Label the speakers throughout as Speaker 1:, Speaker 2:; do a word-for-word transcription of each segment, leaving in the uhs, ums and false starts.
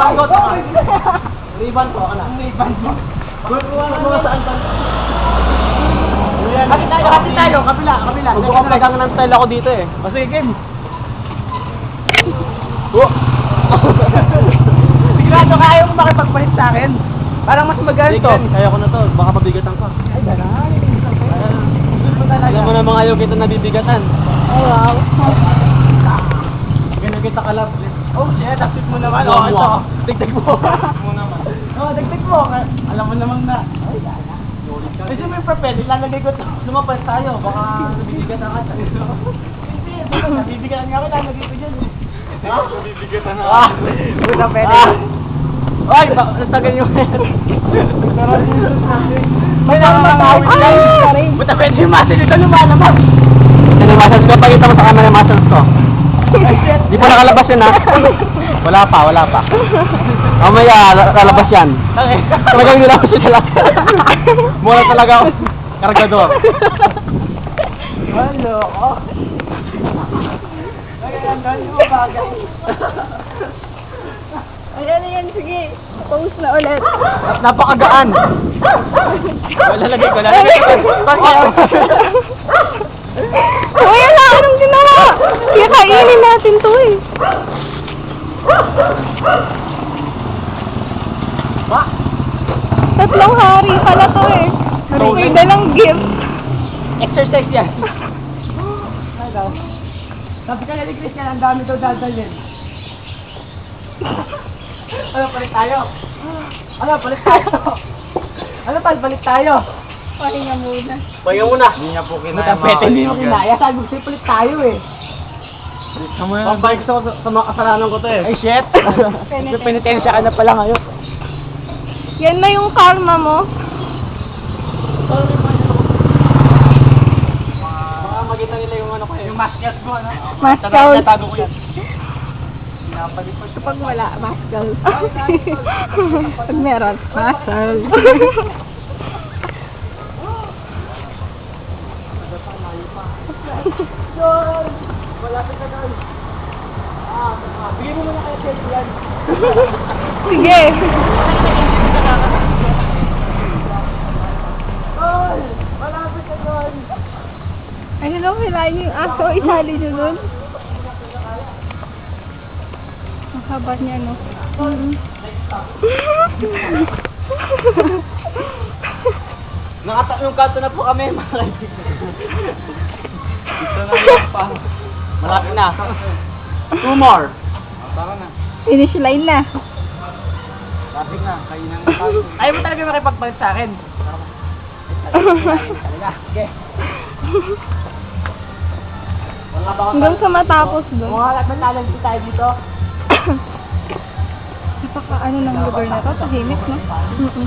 Speaker 1: Riban ko, riban ko, ano? Riban ko. Kung saan ka? Kapit tayo, kapit tayo, kapila, kapila. Nagkakalagang ng style ako dito eh. O sige, game. Sigurado kaya mo makipagpalit sa akin. Parang mas magaan to. Kaya ko na to, baka mabigatan ka. Ay, gano'n. Alam mo namang ayaw kita nabibigatan.
Speaker 2: Oh, wow.
Speaker 1: Ganyan kita kalab. Oh, shit, tapit mo naman. Oh, ito. Dagdag mo. mo naman. Oh, dagdag mo. Alam mo namang na. Ay, gana. Kasi may papel, ilalagay ko ito. Lumapal tayo, baka nabibigatan ka. Hindi, nabibigatan nga ako, ilalagay ko dyan. Ha? Nabibigatan na. Ah, buta pwede. Ay, nastagal yung head. May nakakawin yan. Buta pwede yung muscle ito lumalabas. Yan yung muscles ko, pakita mo sa camera yung muscles ko. Di pa nakalabas yun ha? Wala pa, wala pa. Mamaya, lalabas yan. Talagang nilabas yun lang. Mura talaga ako. Kargador. Walo ko. Ang gano'n mo bagay.
Speaker 2: Ayan, ayan, sige. Post na ulit.
Speaker 1: Napakagaan. Lalagay ko, lalagay ko.
Speaker 2: Uy, ala, anong ginawa? Kaya kainin natin to eh.
Speaker 1: Ma?
Speaker 2: Tatlong hari pala to eh. May dalang gift.
Speaker 1: Exercise yan. Sabi ka na ni Christian, ang dami daw dadalhin. Ano, balik tayo? Ano, balik tayo? Ano, pal, balik tayo?
Speaker 2: Pahinga muna.
Speaker 1: Pahinga muna. Hindi niya po kinaya mga kaibigan. Hindi mo kinaya. Sabi ko sa'yo, balik tayo eh. Pabalik sa, sa mga kasalanan ko to eh. Ay, shit! Penitensya ka na pala ngayon.
Speaker 2: Yan na yung karma mo.
Speaker 1: Baka makita nila yung ano ko eh. Yung mascot ko, ano?
Speaker 2: Mascot.
Speaker 1: Natago ko yan.
Speaker 2: Kapag wala, mascal. Pag meron, mascal.
Speaker 1: John! Malapit na doon. Ah, bigyan mo muna kayo selfie yan.
Speaker 2: Sige.
Speaker 1: John! Malapit na doon.
Speaker 2: Ay, hello, hilahin yung aso. Isali nyo dun. Ang haba niya, no? Mm-hmm.
Speaker 1: Nakata yung kanto na po kami, mga kaibigan. Ito na lang pa. Malapit na. Two more. Tara na.
Speaker 2: Finish line na.
Speaker 1: Lapit na. Kainan na tayo. Ayaw mo talaga makipagpalit sa akin. Talaga. Okay. Wala ba
Speaker 2: Hanggang sa matapos doon.
Speaker 1: Mga naglalagay tayo dito.
Speaker 2: Napaka ano ng lugar na to, tahimik, no? Mm-mm.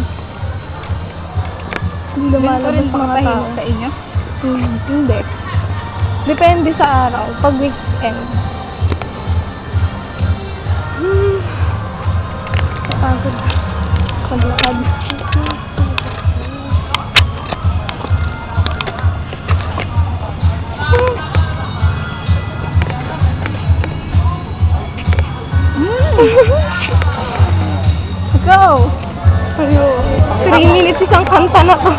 Speaker 2: Hindi lumalabas mga tao sa inyo? Hmm, hindi. Depende sa araw, pag weekend. Hmm. Napagod. Paglakad. Go! Ayun. Three minutes isang kanta na to.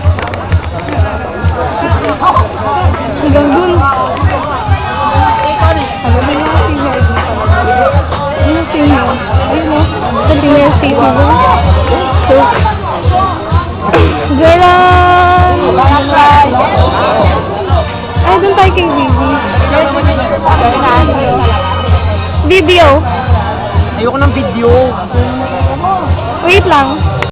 Speaker 2: Hanggang dun. Alam mo yung senior dito. Ano yung senior? Ayun o. Sa senior senior dun. So, Geran! Ay, dun tayo kay Bibi. Video.
Speaker 1: Ayoko ng video.
Speaker 2: Wait lang.